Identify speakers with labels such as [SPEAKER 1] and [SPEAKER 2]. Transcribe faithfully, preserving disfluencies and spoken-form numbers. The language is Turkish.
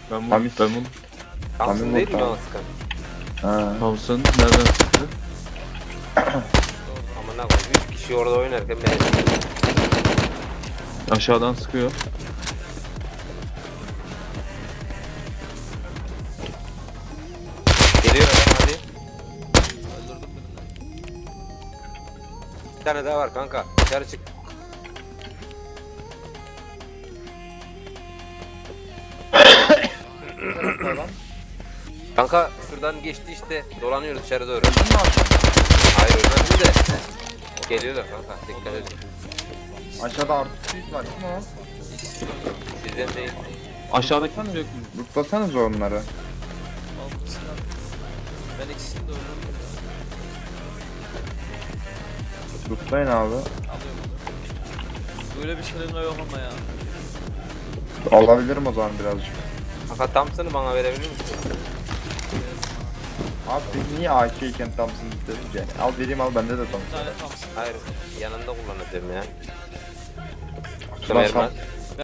[SPEAKER 1] Ben bunu,
[SPEAKER 2] Tamis.
[SPEAKER 1] ben bunu.
[SPEAKER 3] Thompson
[SPEAKER 2] Tamam,
[SPEAKER 3] değil mi
[SPEAKER 2] tamam.
[SPEAKER 3] o sıkan?
[SPEAKER 2] Ha.
[SPEAKER 1] Thompson nereden çıktı?
[SPEAKER 3] Amına koyayım. Üç kişi orada oynarken beni
[SPEAKER 1] Aşağıdan sıkıyor.
[SPEAKER 3] geliyor adam hadi.
[SPEAKER 4] Öldürdüm birini.
[SPEAKER 3] Bir tane daha var kanka. Dışarı çık. Kanka şuradan geçti işte. Dolanıyoruz dışarı doğru. Hayır ölmedi de. Geliyorlar kanka. Dikkat edin.
[SPEAKER 2] Aşağıda artı suit var. Kim o?
[SPEAKER 3] Sizden değil.
[SPEAKER 1] Aşağıdaki mi yok?
[SPEAKER 2] Mutlasanız onları.
[SPEAKER 4] Al bu silah. Ben ikisini de öldürdüm.
[SPEAKER 2] Mutlayın abi.
[SPEAKER 4] Alıyorum. Böyle bir şırınga yok ama ya.
[SPEAKER 2] Alabilirim o zaman birazcık.
[SPEAKER 3] Kanka Thompson'ı bana verebilir misin?
[SPEAKER 2] Abi peki niye A K iken Thompson dedin ki? Al vereyim al bende de
[SPEAKER 4] Bir
[SPEAKER 2] Thompson.
[SPEAKER 4] tane Thompson.
[SPEAKER 3] Hayır. Yanında kullanacağım ya.
[SPEAKER 2] Ulan
[SPEAKER 3] Vermez.
[SPEAKER 2] Sam-